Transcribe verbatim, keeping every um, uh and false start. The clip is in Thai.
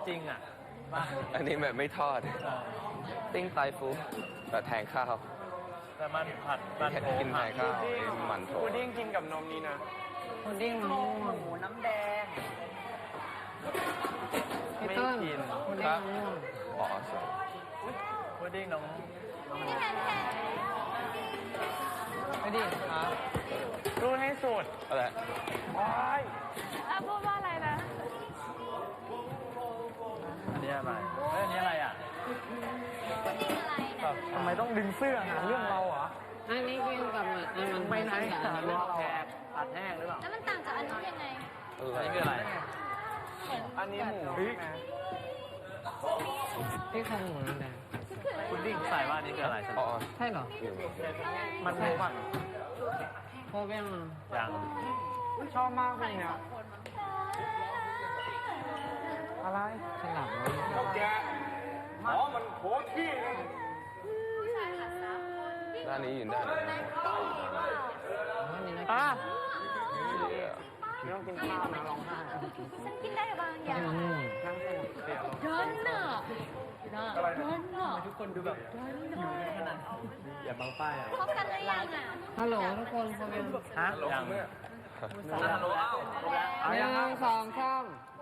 จริงอ่ะบ้าอันนี้แบบไม่ทอด ติ้งไตฟูแบบแทงข้าวแต่มันผัดมันโถกินแทนข้าวไอ้หมันโถพุดดิ้งกินกับนมนี่นะพุดดิ้งมะม่วงหมูน้ำแดงพี่ไม่ต้นกินพุดดิ้งมะม่วงอ๋อสวยพุดดิ้งน้องพี่แทนพี่แทนพุดดิ้งครับรู้ให้สุดอะไรว้ายอ่ะพูดว่าอะไรนะอันนี้อะไรเฮ้ยอันนี้อะไรอ่ะพุดดิ้งอะไรนะทำไมต้องดึงเสื้อหาเรื่องเราเหรออันนี้กินกับมันอันมันไปไหนกับอันเลืนี้อกแขกผัดแห้งหรือเปล่าแล้วมันต่างจากอันนู้นยังไงอะไรอันนี้คืออะไรอันนี้หมูใช่ไหมที่ของหมูนั่นแหละพุดดิ้งใส่ว่าอันนี้คืออะไรอ๋อใช่เหรออยู่มันรู้ป่ะโคเบ้งยังชอบมากเลยเนี่ยอะไรฉลาดเลยเท่าแกหมอมันโผที่เลยใช่ค่ะสามคนด้านนี้อยู่ด้านนี้อันนี้นะอ่ะเดี๋ยวไม่ต้องกินข้าวนะร้องไห้ฉันกินได้บางอย่างมะม่วงนั่งสงบเสียลงเดินน่ะน่ะเดินน่ะทุกคนดูแบบหิวกันขนาดอย่าบังป้ายอ่ะพบกันหรือยังอ่ะฮัลโหลทุกคนโคเบ้งฮะยังเมื่อรู้แล้วรู้แล้วหนึ่งสองสาม